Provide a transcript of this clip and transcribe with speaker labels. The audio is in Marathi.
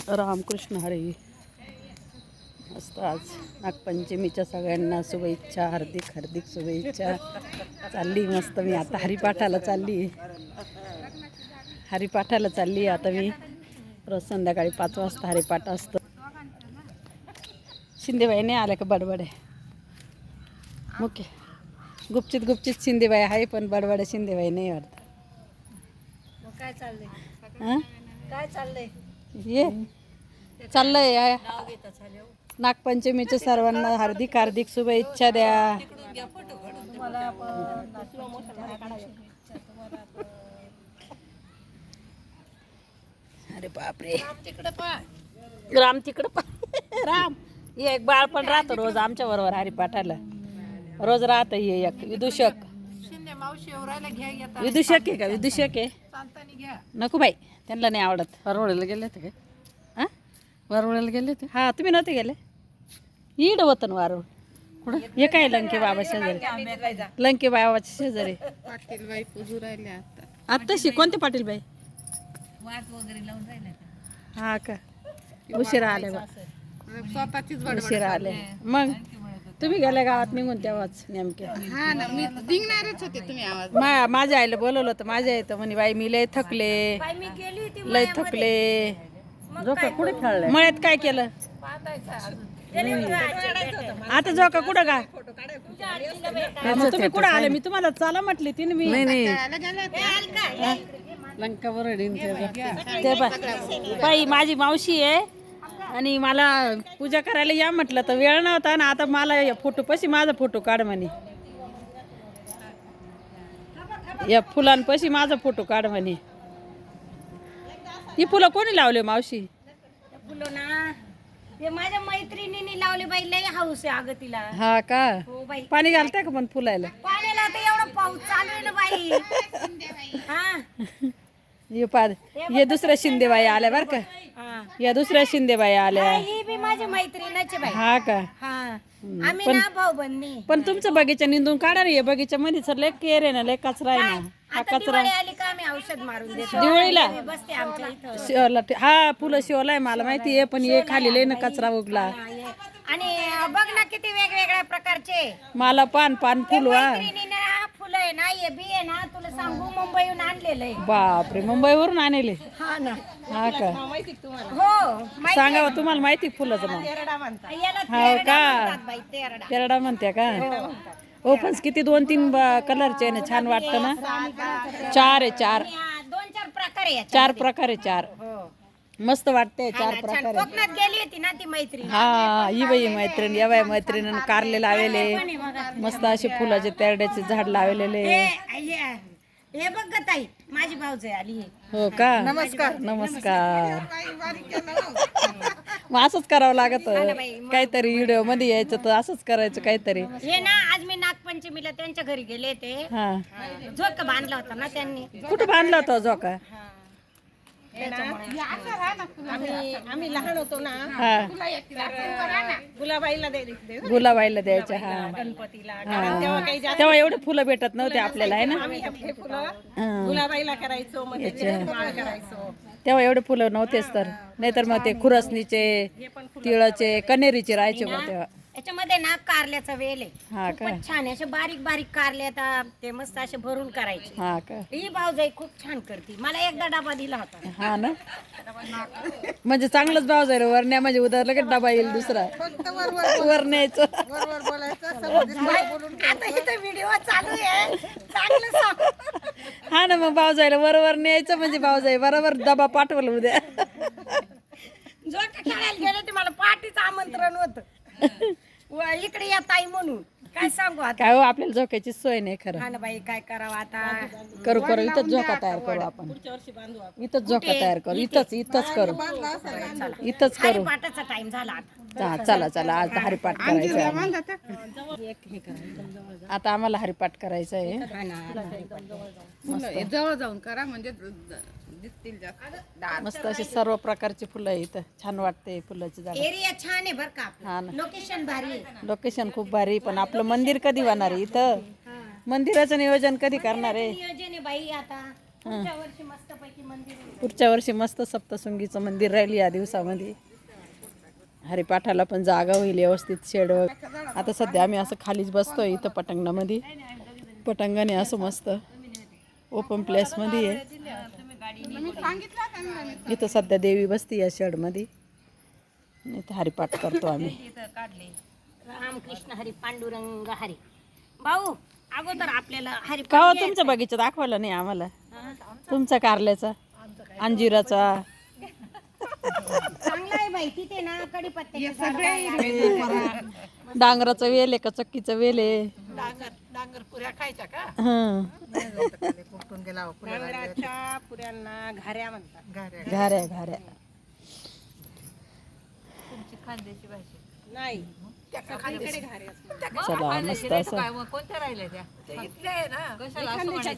Speaker 1: रामकृष्ण हरी. मस्त आज नागपंचमीच्या सगळ्यांना शुभेच्छा, हार्दिक हार्दिक शुभेच्छा. चालली मस्त मी आता हरिपाठाला चालली आता मी. रोज संध्याकाळी 5 वाजता हरिपाठ असतो. शिंदेबाई नाही आल्या का? बडबड आहे मुख्य गुपचित शिंदेबाई आहे, पण बडबड शिंदेबाई नाही वाटत.
Speaker 2: काय चाललंय? काय चाललंय?
Speaker 1: ये चाललंय नागपंचमीच्या सर्वांना हार्दिक हार्दिक शुभेच्छा द्या. अरे बापरे, राम तिकडं पा राम ये एक बाळ पण राहतो रोज आमच्या बरोबर हरिपाठाला. रोज राहत हे एक विदूषक. विदूषक आहे का? विदूषक आहे. नको बाई, त्यांना नाही आवडत. वरवळ्याला गेले होते काय? हां, वरवळ्याला गेले होते. हां, तुम्ही नव्हते गेले? इड होतं वारवळ कुठं? हे काय लंके बाबा शेजारी? लंके बाबाच्या शेजारी
Speaker 2: पाटीलबाई पूजू राहिले
Speaker 1: आत्ताशी. कोणते पाटीलबाई?
Speaker 2: वाट वगैरे लावून राहिले.
Speaker 1: हा का? उशिरा आले बा.
Speaker 2: स्वतःचीच
Speaker 1: उशिरा आले. मग तुम्ही गेल्या गावात निघून तेव्हाच नेमके.
Speaker 2: हा ना, मी निघणारच होते. तुम्ही आवाज
Speaker 1: माझ्या आईला बोलवलं होतं. माझ्या आई तर म्हणे बाई मी लय थकले, लय थकले. झोका कुठे खेळले? मळ्यात काय केलं आता? झोका कुठं का? मग तुम्ही कुठं आले? मी तुम्हाला चला म्हटली ती. मी नाही लंका ते बाई माझी मावशी आहे आणि मला पूजा करायला या म्हटलं तर वेळ नव्हता ना. आता मला फोटो पशी माझा फोटो काढ म्हणे. या फुलांपाशी माझा फोटो काढ म्हणे. ही फुलं कोणी लावले मावशी?
Speaker 3: फुलं ना ते माझ्या मैत्रिणीने लावले बाई. लय हाऊस आहे अगं तिला.
Speaker 1: हा का?
Speaker 3: हो बाई.
Speaker 1: पाणी घालताय का पण फुलायला?
Speaker 3: पाण्याला तर एवढं पाऊस चालू आहे ना बाई. हा
Speaker 1: ये दुसऱ्या शिंदेबाई आल्या बर का?
Speaker 3: हा.
Speaker 1: या दुसऱ्या शिंदेबाई आल्या.
Speaker 3: ही बी माझी मैत्रिणीची बाई.
Speaker 1: हा का?
Speaker 3: हा, आम्ही ना भाऊ बंदी.
Speaker 1: पण तुमचं बगीचा निंदून काढा रे. बगीच्या मध्ये सर लय केर आहे ना, लय कचरा आहे ना. हा
Speaker 3: आता
Speaker 1: कचरा
Speaker 3: दिवाळी आली का आम्ही औषध मारून देतो.
Speaker 1: दिवाळीला
Speaker 3: मी बसते आमच्या इथं.
Speaker 1: शिवला. हा फुलं शिवलाय मला माहिती आहे, पण ये खाली लय ना कचरा उगला.
Speaker 3: हा, ये. आणि बघ ना किती वेगवेगळ्या प्रकारचे
Speaker 1: मला पान फुल वा.
Speaker 3: मैत्रिणीने फुलं आहे ना, हे बी आहे ना, तुला सांगू मुंबईहून आणलेलं आहे.
Speaker 1: बापरे, मुंबईवरून आणले?
Speaker 3: हा ना.
Speaker 1: हा का?
Speaker 3: हो माहिती
Speaker 1: सांगा तुम्हाला माहिती फुलाचं नाव?
Speaker 3: याला
Speaker 1: हो
Speaker 3: तेरडा
Speaker 1: का?
Speaker 3: म्हणतात बाई, तेरडा.
Speaker 1: तेरडा म्हणते का? हो पण किती 2-3 कलरचे आहे ना, छान वाटतं ना. 4 आहे 4.
Speaker 3: 2-4 प्रकार आहे याच्यात.
Speaker 1: 4 प्रकारे 4. मस्त वाटते 4
Speaker 3: छान.
Speaker 1: प्रकारे.
Speaker 3: कोकणात गेली होती ना ती मैत्रीण.
Speaker 1: हा ही बाई मैत्रीण. या बाई मैत्रिणीनं कारले लावले. मस्त असे फुलाचे तेरड्याचे झाड लावलेले.
Speaker 3: हे बघ ग ताई, माझी भाऊजाई आली आहे.
Speaker 1: हो का? नमस्कार. मग असंच करावं लागत काहीतरी. व्हिडिओ मध्ये यायचं तर असंच करायचं काहीतरी.
Speaker 3: हे ना आज मी नागपंचमीला त्यांच्या घरी गेले ते.
Speaker 1: हा,
Speaker 3: झोका बांधला होता ना त्यांनी.
Speaker 1: कुठं बांधला होता झोका?
Speaker 3: आम्ही लहान होतो ना,
Speaker 1: हा, गुलाबाईला द्यायच्या. हा,
Speaker 3: गणपतीला
Speaker 1: हा. तेव्हा एवढे फुलं भेटत नव्हते आपल्याला आहे ना.
Speaker 3: गुलाबाईला करायचो, मग करायचो.
Speaker 1: तेव्हा एवढे फुलं नव्हतेच तर. नाहीतर मग ते खुरसणीचे, तिळाचे, कनेरीचे राहायचे मग तेव्हा.
Speaker 3: याच्यामध्ये ना कारल्याचा वेल आहे.
Speaker 1: हा का?
Speaker 3: खूपच छान आहे. असे बारीक बारीक कारले आता ते मस्त असे भरून करायचे.
Speaker 1: हा का?
Speaker 3: ही भाऊजाई खूप छान करते. मला एकदा डबा दिला होता.
Speaker 1: हा ना, म्हणजे चांगलंच भाव जाईल. वरण्या म्हणजे उद्या लगेच डबा येईल दुसरा. वर न्यायचं.
Speaker 3: आता इथं व्हिडिओ चालू आहे, चांगलं सांग.
Speaker 1: हा ना, मग भाव जायला वर न्यायचं म्हणजे भाव जाईल बरोबर डबा पाठवलं उद्या.
Speaker 3: झोका खेळायला गेले ते मला पार्टीचं आमंत्रण होतं. इकडे या ताई म्हणून. काय सांगू आता.
Speaker 1: काय हो, आपल्याला झोक्याची सोय नाही खरं.
Speaker 3: हा ना बाई, काय करावं आता.
Speaker 1: करू इथंच झोका तयार करू आपण. इथंच झोका तयार करू. इथंच करू. इथंच करू.
Speaker 3: पाठाचा टाइम झाला आता.
Speaker 1: चला आज हरिपाठ करायचा आहे. आता आम्हाला हरिपाठ करायचं आहे.
Speaker 2: जवळ जाऊन करा म्हणजे दिसतील
Speaker 1: मस्त अशी सर्व प्रकारची फुलं आहे इथं. छान वाटते फुलाची झाड.
Speaker 3: एरिया छान आहे बर का.
Speaker 1: हा ना,
Speaker 3: लोकेशन भारी आहे.
Speaker 1: लोकेशन खूप भारी. पण आपलं मंदिर कधी होणार आहे इथं? मंदिराचं नियोजन कधी करणार आहे?
Speaker 3: नियोजन आहे बाई आता. पुढच्या वर्षी मस्तपैकी मंदिर होईल.
Speaker 1: पुढच्या वर्षी मस्त सप्तशृंगीचं मंदिर राहील या दिवसामध्ये. हरिपाठाला पण जागा होईल व्यवस्थित शेड. आता सध्या आम्ही असं खालीच बसतोय इथं पटांगणामध्ये. पटांगण आहे असं मस्त ओपन प्लेसमध्ये आहे. इथं सध्या देवी बसती या शेडमध्ये. इथं हरिपाठ करतो आम्ही.
Speaker 3: रामकृष्ण हरी पांडुरंग हरी. भाऊ अगोदर आपल्याला हरी
Speaker 1: का हो तुमचा बगीचा दाखवला नाही आम्हाला? तुमचा कारल्याचा, अंजिराचा.
Speaker 3: चांगला आहे बाई. तिथे ना कडीपत्त्याचे
Speaker 1: डांगराचा वेल आहे का चक्कीचा वेल आहे?
Speaker 2: डांगर पुऱ्या खायच्या का?
Speaker 1: हं.
Speaker 3: डांगराच्या पुऱ्यांना घाऱ्या म्हणतात.
Speaker 1: घाऱ्या घाऱ्या.
Speaker 2: खानदेशी भाषा
Speaker 3: नाही सगळीकडे घाऱ्या असतात.
Speaker 1: चला मस्त असं
Speaker 2: कोणत्या राहिल्या त्या? कशाला असं म्हणायचं?